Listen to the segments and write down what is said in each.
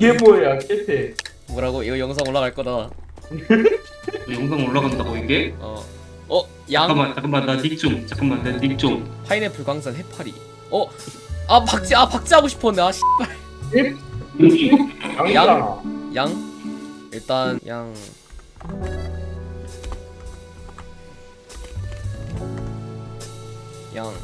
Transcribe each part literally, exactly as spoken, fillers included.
이게 뭐야 캐태. 뭐라고? 이거 영상 올라갈 거다. 영상 올라간다고 이게? 어. 어, 양 잠깐만 잠깐만 나 닉 좀 잠깐만 나 닉 좀. 파인애플 광산 해파리. 어. 아, 박쥐. 아, 박쥐 하고 싶었네. 아, 씨발. 양이잖아. 양. 일단 양. 양.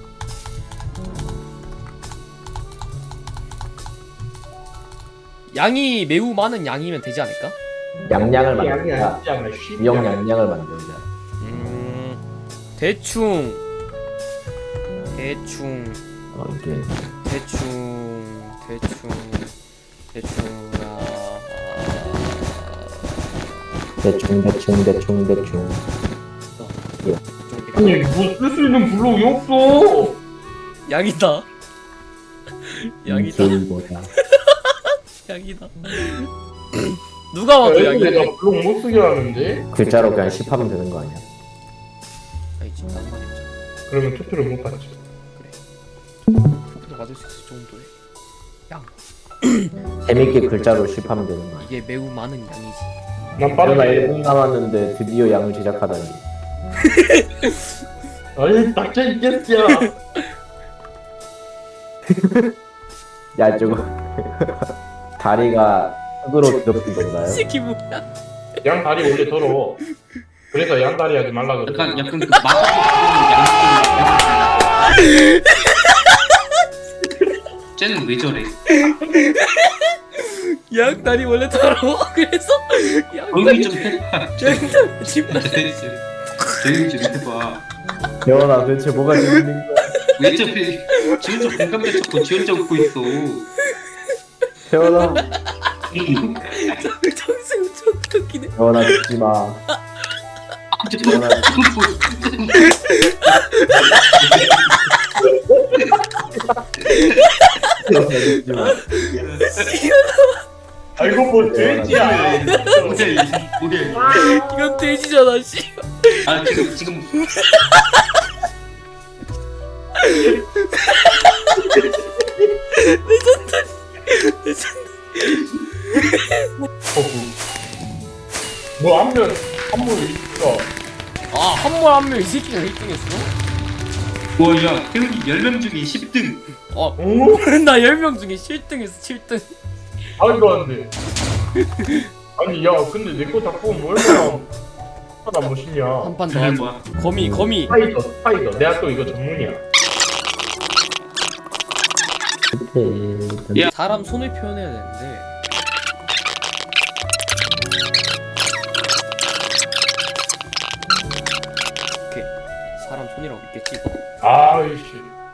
양이 매우 많은 양이면 되지 않을까? 양양을 양이 만들자. 아니잖아. 씨. 유형 양양을 만들자. 음. 대충 대충 어 이게 대충 대충 대충 아, 대충 대충 대충 대충. 아니 뭐쓸 수 있는 블록이 없어. 양이다. 양이다. 인기보다. 양이다. 누가 봐도 양이다. 내가 블록 못 쓰게 하는데. 글자로 그냥 십하면 되는 거 아니야? 아니지, 딴 말이 없잖아. 그러면 투표를 못 받지. 투표도 받을 수 있을 정도의 양. 재밌게 글자로 십하면 되는 거 아니야? 이게 매우 많은 양이지. 난 코로나 빠르게. 일 분 남았는데 드디어 양을 제작하다니. 아니 닥쳐 있겠어. 야 저거 다리가 흙으로 뒤덮인 건가요? 새끼 뭐야? 양 다리 원래 더러워. 그래서 양 다리 하지 말라 그래. 약간 약간 그 막. 쟤는 왜 저래? 양 다리 원래 더러워. 그래서 양 조용히 다리 좀 해봐. 양 다리 집 나. 조용히 좀 해봐. 태연아 대체 뭐가 재밌는 거야? 왜 저래? 지 혼자 공감대 찾고 지 혼자 웃고 있어. 태연아 정승 좀 웃기네. 태연아 죽지 마. 태연아 태연아 죽지 마. 아 이거 뭐 돼지야. 뭐야 이 뭐야? 이건 돼지잖아, 씨. 아 지금 지금 뭐 한면 한물 있어. 아, 한 번 한 명 이 새끼가 일 등 했어? 뭐야? 태훈이 열 명 중에 십 등. 어, 오? 나 열 명 중에 칠 등 했어, 칠 등. 말도 안 돼. 아니 야 근데 내 거 자꾸 뭐 얼마나 하나 멋있냐. 한 판 더 그게 하자. 뭐야? 거미, 거미. 스파이더 스파이더. 내가 또 이거 전문이야. 야. 사람 손을 표현해야 되는데. 오케이. 사람 손이라고 있겠지. 아이씨.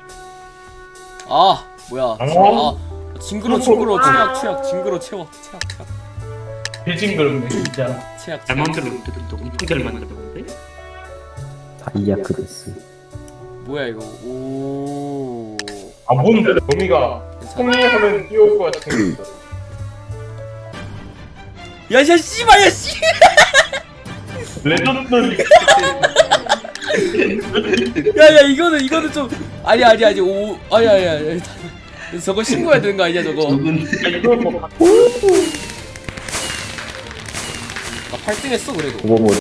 아, 뭐야. 어? 아, 징그러, 징그러, 최악, 최악, 징그러, 채워, 최악, 최악, 배징그럽네 진짜. 최악, 잘 최악. 만들었는데 또 엄청 잘 만들었는데? 다이아크데스. 뭐야 이거? 오. 아 뭔데? 거미가 괜찮아. 통일하면 뛰어올 것 같이 생겼어. 야, 야, 씨발, 야, 씨. 레전드. 야, 야, 이거는, 이거는 좀. 아니, 아니, 아니, 오, 아니, 아니, 아니. 저거 신고해야 되는 거 아니야, 저거? 저건 이거 뭐 나 팔 등 했어, 그래도. 그거 뭐